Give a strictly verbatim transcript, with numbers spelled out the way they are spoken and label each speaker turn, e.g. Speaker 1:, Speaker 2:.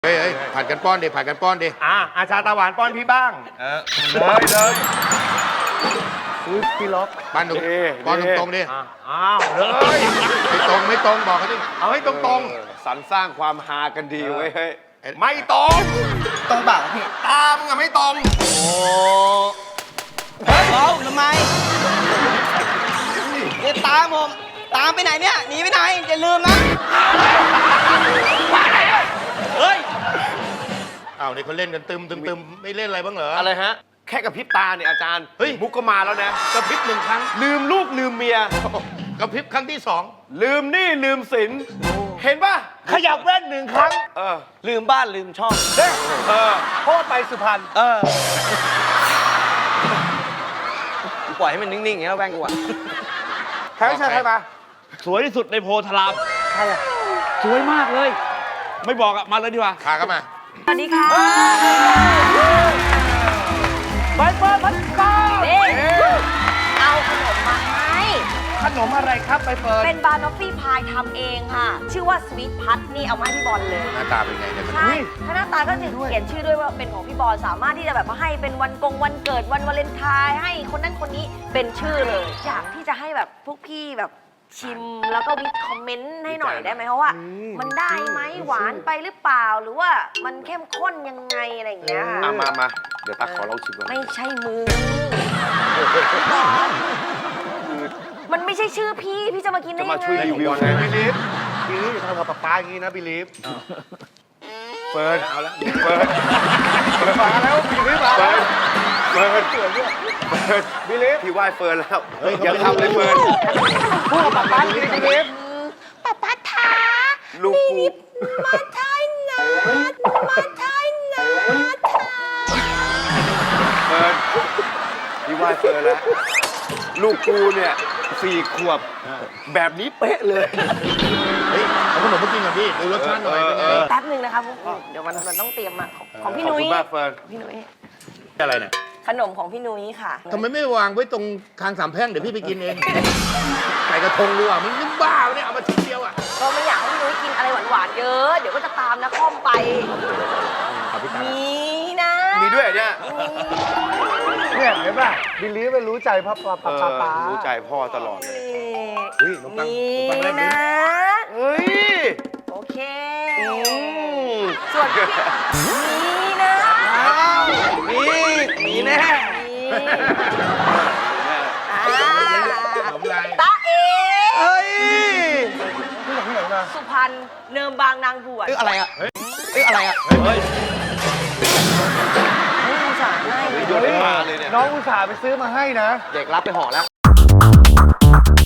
Speaker 1: เฮ้ยเฮ้ยผัดกันป้อนดิผัดกันป้อนดิ
Speaker 2: อ่ะอาชาตาหวานป้อนพี่บ้าง
Speaker 3: เออเลยเลย
Speaker 2: อุ้ยพี่ล็อก
Speaker 1: ป้อนตรงป้อนตรงๆดิ
Speaker 2: อ่ะอ้าวเลย
Speaker 1: ไม่ตรงไม่ตรงบอกเขาดิ
Speaker 2: เอาให้ตรง
Speaker 3: เออสรรสร้างความฮากันดีเว้ยเฮ้ย
Speaker 2: ๆไม่ตรง
Speaker 4: ตรงเปล่าพี่
Speaker 2: ตามึงอะไม่ตรง
Speaker 4: โอ้เฮ้ยเอาทำไมเดี๋ยวตามผม ตามไปไหนเนี่ย หนีไปไหน อย่าลืมนะ เฮ้ย
Speaker 1: อ้าวนี่เขาเล่นกันตึมตึมตึมไม่เล่นอะไรบ้างเหรอ
Speaker 3: อะไรฮะ แค่กับพริบตาเนี่ยอาจารย์
Speaker 1: เฮ้ย
Speaker 3: มุกก็มาแล้วนะ
Speaker 1: กระพริบหนึ่งครั้ง
Speaker 3: ลืมลูกลืมเมีย
Speaker 1: กระพริบครั้งที่สอง
Speaker 3: ลืมหนี้ลืมสิน เห็นป่ะ
Speaker 2: ขยับแว่นหนึ่งครั้ง
Speaker 3: เออ
Speaker 4: ลืมบ้านลืมช่อง
Speaker 3: เออ
Speaker 2: โคตรไปสุพรรณ
Speaker 4: เออกูปล่อยให้มันนิ่งๆอย่างนี้แล้วแว่งกูอะ
Speaker 2: ใครใช่ใครมา
Speaker 5: สวยที่สุดในโพธารามสวยมากเลย ไม่บอกอะมาเลยดีกว่า
Speaker 1: พาเข้ามา
Speaker 6: สวัสดีค่ะ
Speaker 2: ไปเปิดพันก้า
Speaker 6: เด้เอาขนมมาให้
Speaker 2: ขนมอะไรครับไปเปิด
Speaker 6: เป็นบานอฟฟี่พายทำเองค่ะ ชื่อว่าสวีทพัทนี่เอามาให้พี่บอลเลย
Speaker 1: หน้าตาเป็นไงเนี่ย
Speaker 6: ใช่ถ้าหน้าตาก็จะเขียนชื่อด้วยว่าเป็นของพี่บอลสามารถที่จะแบบว่าให้เป็นวันกงวันเกิดวันวาเลนไทน์ให้คนนั้นคนนี้เป็นชื่อเลย อยากที่จะให้แบบพวกพี่แบบชิมแล้วก็วิคอมเมนต์ให้หน่อยได้ไหมเพราะว่า มันได้ไหมหวานไปหรือเปล่าหรือว่ามันเข้มข้นยังไงอะไรอย่างเงี้ยค่ะ
Speaker 3: มามามาเดี๋ยวตักขอลองชิมก่อน
Speaker 6: ไม่ใช่มือ มันไม่ใช่ชื่อพี่ พี่จะมากินได้
Speaker 3: จะ
Speaker 6: ยัง
Speaker 3: มา
Speaker 6: ไง
Speaker 3: ช่วยรีวิวไง
Speaker 2: บิลีฟบิลีฟอย่าทำกับป๊าป๊าอย่างนี้นะบิลีฟ
Speaker 3: เฟิร์นเอาละเฟิร์น
Speaker 2: มาแล้วบิลีฟมา
Speaker 3: เฟิ
Speaker 2: แล้
Speaker 3: ร์
Speaker 2: วน
Speaker 3: เฟิร์นเฟิร์น
Speaker 2: บิลีฟ
Speaker 3: พี่ไหว้เฟิร์นแล้วอย่าทำเลยเฟิร์น
Speaker 2: พูดกับป๊าป๊าอย่างนี้บิลีฟ
Speaker 6: ป้าป้าทา
Speaker 3: ลูกกู
Speaker 6: มาทายนามาทายนาทา
Speaker 3: เฟิร์นพี่ไหว้เฟิร์นแล้ว ลูกกูเนี่ยสี่ขวบ แบบนี้เป๊ะเลย
Speaker 1: เฮ้ยเอาขนมมากินกับพี่ดูรสชาติหน่อยเป็นไง
Speaker 3: เออ
Speaker 6: แป๊บหนึ่งนะคะพวกเดี๋ยวมันมันต้องเตรียมมาของของพี่
Speaker 3: ขอบ
Speaker 6: นุ้ย
Speaker 3: คุณมากเฟิร์น
Speaker 6: พี่นุ้ย
Speaker 1: อะไรเนี่ย
Speaker 6: ขนมของพี่นุ้ยค่ะ
Speaker 1: ทำไมไม่วางไว้ตรงคางสามแพร่งเดี๋ยวพี่ไปกินเองใส่กระทงดีกว่ามึงนึกบ้าเนี่ยเอามาชิ้นเดียวอ่ะ
Speaker 6: ก็ไม่อยากให้พี่นุ้ยกินอะไรหวานๆเยอะ เดี๋ยวก็จะตามนะข้อมไป
Speaker 1: เอาพี่ตา
Speaker 6: มีนะ
Speaker 3: มีด้วยเหรอเนี่ย
Speaker 2: เนี่ยเห็นป่ะบิลีฟไม่รู้ใจพ่อป๊า
Speaker 3: เอ
Speaker 2: ป๊า
Speaker 3: อ
Speaker 2: ป๊า
Speaker 3: รู้ใจพ่อตลอดเลย
Speaker 1: เฮ้ยขนมปัง
Speaker 6: มี
Speaker 1: ขนมปังแรกดิ
Speaker 6: นะ
Speaker 3: เฮ้ย
Speaker 6: โอเค
Speaker 3: อืม
Speaker 6: ส่วนพี่มีนะ
Speaker 4: มีมีแน่
Speaker 6: มีอ่า
Speaker 1: ขนมลาย
Speaker 6: ตาเอ
Speaker 4: เฮ้ย
Speaker 2: ที่ไหนที่ไหนมา
Speaker 6: สุพรรณเนิมบางนางบวช
Speaker 4: เอ้ยอะไรอะเอ้ยอะไรอะ
Speaker 1: เฮ้ย
Speaker 6: ไม่รู้สารให้
Speaker 3: โยนให้มาเลยเนี่ย
Speaker 2: น้องอุตส่าห์ไปซื้อมาให้นะ
Speaker 4: เด็กรับไปห่อแล้ว